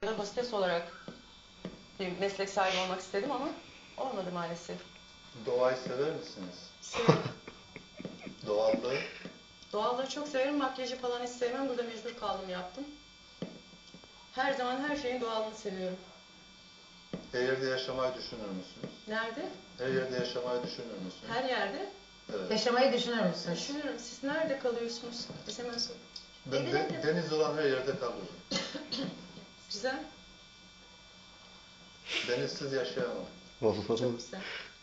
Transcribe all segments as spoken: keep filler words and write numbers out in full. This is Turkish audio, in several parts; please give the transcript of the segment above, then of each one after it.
Hostes olarak bir meslek sahibi olmak istedim ama olmadı maalesef. Doğayı sever misiniz? Severim. Doğallığı? Doğallığı çok severim. Makyajı falan hiç sevmem. Burada mecbur kaldım, yaptım. Her zaman her şeyin doğalını seviyorum. Her yerde yaşamayı düşünür müsünüz? Nerede? Her yerde yaşamayı düşünür müsünüz? Her yerde. Evet. Yaşamayı düşünür müsünüz? Düşünüyorum. Siz nerede kalıyorsunuz? Biz hemen sor. Ben de, deniz olan her yerde kalıyorum. Güzel. Denizsiz yaşayamam. Çok güzel.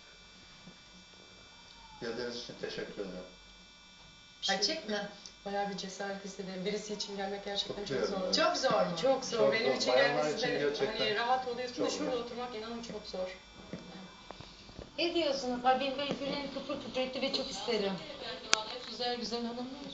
Geldiğiniz için teşekkür ederim. Açık mı? Bayağı bir cesaret istedim. Birisi için gelmek gerçekten çok Kutluyorum. zor. Çok zor mu? Çok zor. Çok Benim zor. için Bayanlar gelmesi için de gerçekten hani rahat oluyorsun da çok şurada zor. oturmak inanın çok zor. Ne diyorsunuz? Ay benim böyle yüreğim kıpır kıpır etti ve çok isterim. Güzel güzel hanımlar.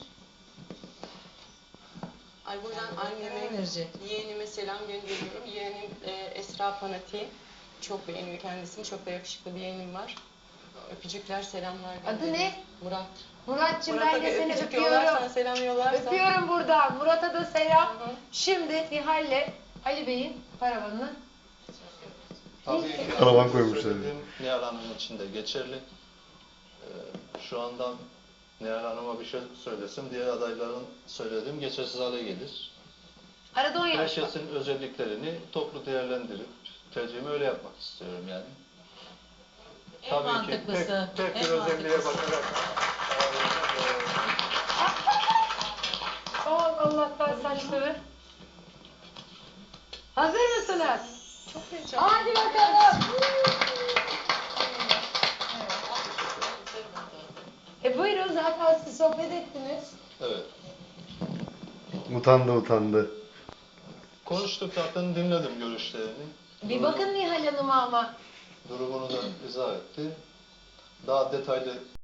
Ay buradan anneme, Enerji. yeğenime selam gönderiyorum. Yeğenim e, Esra Panati. Çok beğeniyor kendisini. Çok da yakışıklı bir yeğenim var. Öpücükler, selamlar gönderiyorum. Adı ne? Murat. Murat'cığım Murat'a ben de bir seni öpücük öpüyorum. yollarsan, selam yollarsan. Öpüyorum buradan. Murat'a da selam. Hı hı. Şimdi Nihal'le Ali Bey'in paravanını. Tabii ki Karavan koymuşlar. söylediğim Nihal Hanım için de geçerli. Ee, şu andan Nihal Hanım'a bir şey söylesem diğer adayların söylediğim geçersiz hale gelir. Arada on yaş var. Herkesin özelliklerini toplu değerlendirip tercihimi öyle yapmak istiyorum yani. En Tabii ki mantıklısı. tek, tek bir en özelliğe mantıklısı. bakarak Aman Allah'tan saçları. Hazır mısınız? Çok heyecanlı. Hadi bakalım. E buyurun, zaten siz sohbet ettiniz. evet. Utandı utandı. Konuştuk zaten, dinledim görüşlerini. Bir bakın Nihal Hanım'a ama. Durumunu da izah etti. Daha detaylı